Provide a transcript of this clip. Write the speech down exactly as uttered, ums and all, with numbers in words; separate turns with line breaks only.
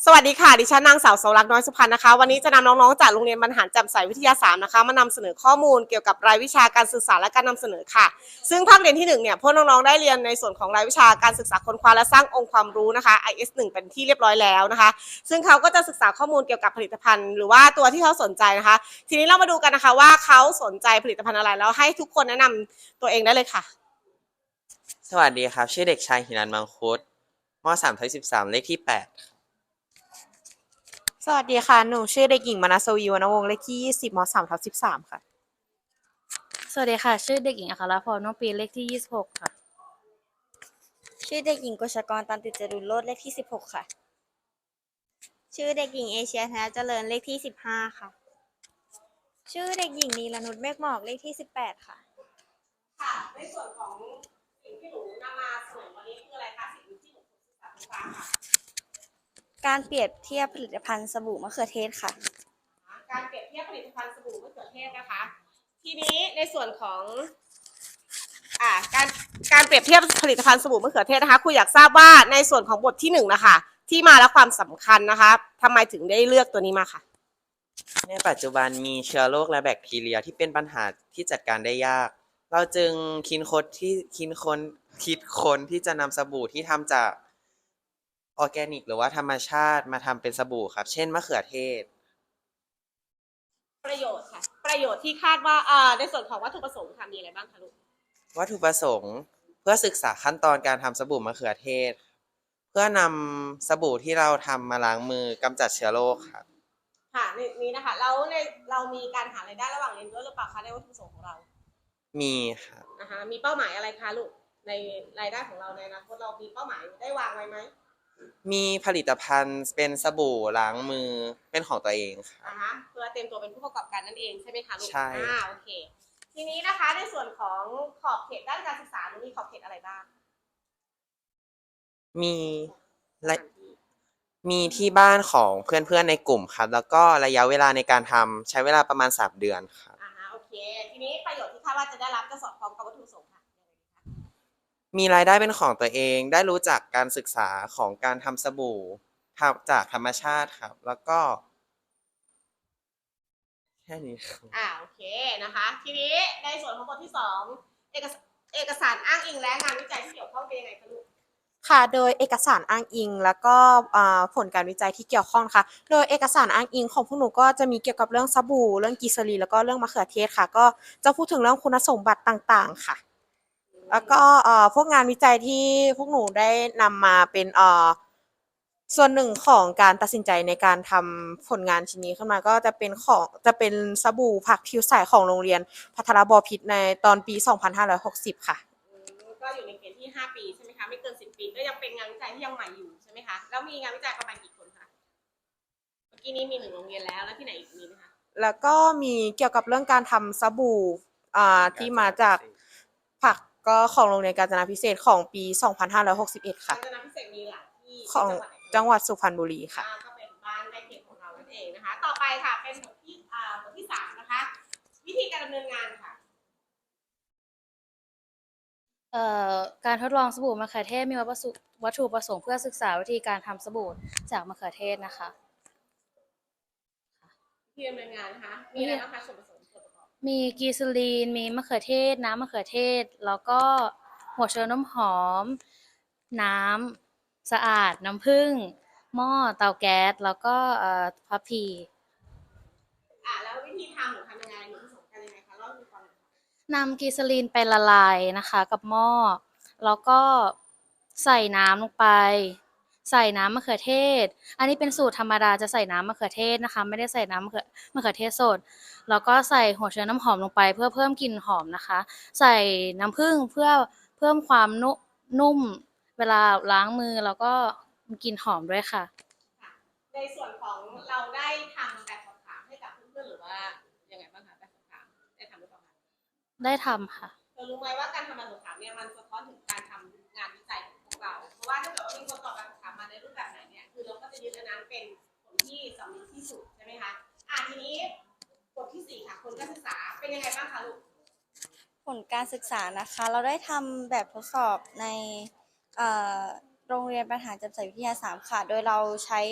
สวัสดีค่ะดิฉันนางสาวเสาวรักษ์น้อยสุพรรณนะคะวันนี้จะนำน้องๆจากโรงเรียนบรรหารแจ่มใสวิทยาสามนะคะมานำเสนอข้อมูลเกี่ยวกับรายวิชาการสื่อสารและการนำเสนอค่ะซึ่งภาคเรียนที่หนึ่งเนี่ยพวกน้องๆได้เรียนในส่วนของรายวิชาการศึกษาค้นคว้าและสร้างองค์ความรู้นะคะ ไอ เอส หนึ่งเป็นที่เรียบร้อยแล้วนะคะซึ่งเขาก็จะศึกษาข้อมูลเกี่ยวกับผลิตภัณฑ์หรือว่าตัวที่เขาสนใจนะคะทีนี้เรามาดูกันนะคะว่าเขาสนใจผลิตภัณฑ์อะไรแล้วให้ทุกคนแนะนำตัวเองได้เลยค่ะ
สวัสดีครับชื่อเด็กชายหินันมังคุดมสามทับสิบสามเลขที่แปด
สวัสดีค่ะหนูชื่อเด็กหญิงมนัสวีวรรณวงศ์เลขที่ยี่สิบมสามทับสิบสามค่ะ
สวัสดีค่ะชื่อเด็กหญิงอัครพรน้องปีเลขที่ยี่สิบหกค่ะ
ชื่อเด็กหญิงกฤษกรตันติจรุรโลดเลขที่สิบหกค่ะชื่อเด็กหญิงเอเชียธนเจริญเลขที่สิบห้าค่ะชื่อเด็กหญิงนีรนุชเมฆหมอกเลขที่สิบแปดค่ะ
ค่ะในส่วนของสิ่งที่หนูนำมาเสนอวันนี้คืออะไรคะสิ่งที่หนูศึกษาศึกษาค่ะ
การเปรียบเทียบผลิตภัณฑ์สบู่มะเขือเทศค่ะ
การเปรียบเทียบผลิตภัณฑ์สบู่มะเขือเทศนะคะทีนี้ในส่วนของอ่าการการเปรียบเทียบผลิตภัณฑ์สบู่มะเขือเทศนะคะครูอยากทราบว่าในส่วนของบทที่หนึ่งนะคะที่มาและความสำคัญนะคะทำไมถึงได้เลือกตัวนี้มาค่ะ
ในปัจจุบันมีเชื้อโรคและแบคทีเรียที่เป็นปัญหาที่จัดการได้ยากเราจึงคิดค้นที่คิดค้นคิดค้นที่จะนำสบู่ที่ทำจากออร์แกนิกหรือว่าธรรมชาติมาทำเป็นสบู่ครับเช่นมะเขือเทศ
ประโยชน์ค่ะประโยชน์ที่คาดว่าอ่าในส่วนของวัตถุประสงค์ค่ะมีอะไรบ้างคะลูก
วัตถุประสงค์เพื่อศึกษาขั้นตอนการทำสบู่มะเขือเทศเพื่อนำสบู่ที่เราทำมาล้างมือกำจัดเชื้อโรคครับ
ค่ะในนี้นะคะแล้วในเรามีการหารายได้ระหว่างเรียนด้วยหรือเปล่าคะในวัตถุประสงค์ของเรา
มีครับ
นะคะมีเป้าหมายอะไรคะลูกในรายได้ของเราในอนาคตเรามีเป้าหมายได้วางไว้ไหม
มีผลิตภัณฑ์เป็นสบู่ล้างมือเป็นของตัวเองครับ
นะคะเพื่อเตรียมตัวเป็นผู้ประกอบการนั่นเองใช่ไหมคะลูก
ใช่
อ่าโอเคทีนี้นะคะในส่วนของขอบเขตด้านการศึกษามีขอบเขตอะไรบ้าง
มีและมีที่บ้านของเพื่อนๆในกลุ่มครับแล้วก็ระยะเวลาในการทำใช้เวลาประมาณสามเดือนครับ
อ่าฮะโอเคทีนี้ประโยชน์ที่คาดว่าจะได้รับจะสอดคล้องกับวัตถุประสงค์ค่ะ
มีรายได้เป็นของตัวเองได้รู้จักการศึกษาของการทำสบู่ทำจากธรรมชาติครับแล้วก็แค่นี้ครับ
อ่าโอเคนะคะทีนี้ในส่วนของบทที่สองเอกเอกสารอ้างอิงและงานวิจัยที่เกี่ยวข้องเป็นยังไงคะลูกค่ะโดยเอกสารอ้างอิงแล้วก็ผลการวิจัยที่เกี่ยวข้องค่ะโดยเอกสารอ้างอิงของพวกหนูก็จะมีเกี่ยวกับเรื่องสบู่เรื่องกิซารีนแล้วก็เรื่องมะเขือเทศค่ะก็จะพูดถึงเรื่องคุณสมบัติต่างๆค่ะแล้วก็พวกงานวิจัยที่พวกหนูได้นำมาเป็นส่วนหนึ่งของการตัดสินใจในการทำผลงานชิ้นนี้ขึ้นมาก็จะเป็นของจะเป็นสบู่ผักผิวใสของโรงเรียนพัทรบพิตรในตอนปีสองพันห้าร้อยหกสิบค่ะก็อยู่ในเกณฑ์ที่ห้าปีใช่ไหมคะไม่เกินสิบปีก็ยังเป็นงานวิจัยที่ยังใหม่อยู่ใช่ไหมคะแล้วมีงานวิจัยประมาณกี่คนคะเมื่อกี้นี้มีหนึ่งโรงเรียนแล้วแล้วที่ไหนอีกมีไหมคะแล้วก็มีเกี่ยวกับเรื่องการทำสบู่อ่าที่มาจากผักก็ของโรงเรียนกาญจนาพิเศษของปีสองพันห้าร้อยหกสิบเอ็ดค่ะกาญจนาพิเศษมีหลายที่ของจังหวัดสุพรรณบุรีค่ะก็เป็นบ้านใกล้เคียงของเรานั่นเองนะคะต่อไปค่ะเป็นบทที่อ่าบทที่สามนะคะวิธีการดำเนินงานค่ะ
เอ่อการทดลองสบู่มะเขือเทศมีวัตถุประสงค์เพื่อศึกษาวิธีการทำสบู่จากมะเขือเทศนะคะ
วิธีดำเนินงานนะคะมีอะไรบ้างคะส่วนผสมส่วนประกอบ
มีกีซาลีนมีมะเขือเทศน้ำมะเขือเทศแล้วก็หัวเชื้อน้ำหอมน้ำสะอาดน้ำผึ้งหม้อเตาแก๊สแล้วก็เอ่อพับพี
อ่าแล้ววิธีทำหนูทำยังไงหนูผสมกันยังไงคะเล่าให้ฟังหน่อย
นำกีซาลีนไปละลายนะคะกับหม้อแล้วก็ใส่น้ำลงไปใส่น้ำมะเขือเทศอันนี้เป็นสูตรธรรมดาจะใส่น้ำมะเขือเทศนะคะไม่ได้ใส่น้ำมะเขือมะเขือเทศสดแล้วก็ใส่หัวเชื้อน้ำหอมลงไปเพื่อเพิ่มกลิ่นหอมนะคะใส่น้ำผึ้งเพื่อเพิ่มความนุ่มเวลาล้างมือแล้วก็กลิ่นหอมด้วยค่ะ
ในส่วนของเราได้ทำแบบสอบถามให้กับเพื่อนๆหรือว่ายังไงบ้างคะแบบสอบถามได้ทำหรือเปล่าคะ
ได้ทำค่ะ
เธอรู้ไหมว่าการทำแบบสอบถามเนี่ยมันสะท้อนถึงการทำงานวิจัยของพวกเราเพราะว่าถ้าเกิดว่ามีคนตอบแบบสอบถามมาในรูปแบบไหนเนี่ยคือเราก็จะยึดอันนั้นเป็นผลที่สำคัญที่สุดใช่ไหมคะอ่ะทีนี้บทที่สี่ค่ะผลการศึกษาเป็นยังไงบ้างคะลูก
ผลการศึกษานะคะเราได้ทำแบบทดสอบในโรงเรียนบรรหารแจ่มใสวิทยาสามค่ะโดยเราใช้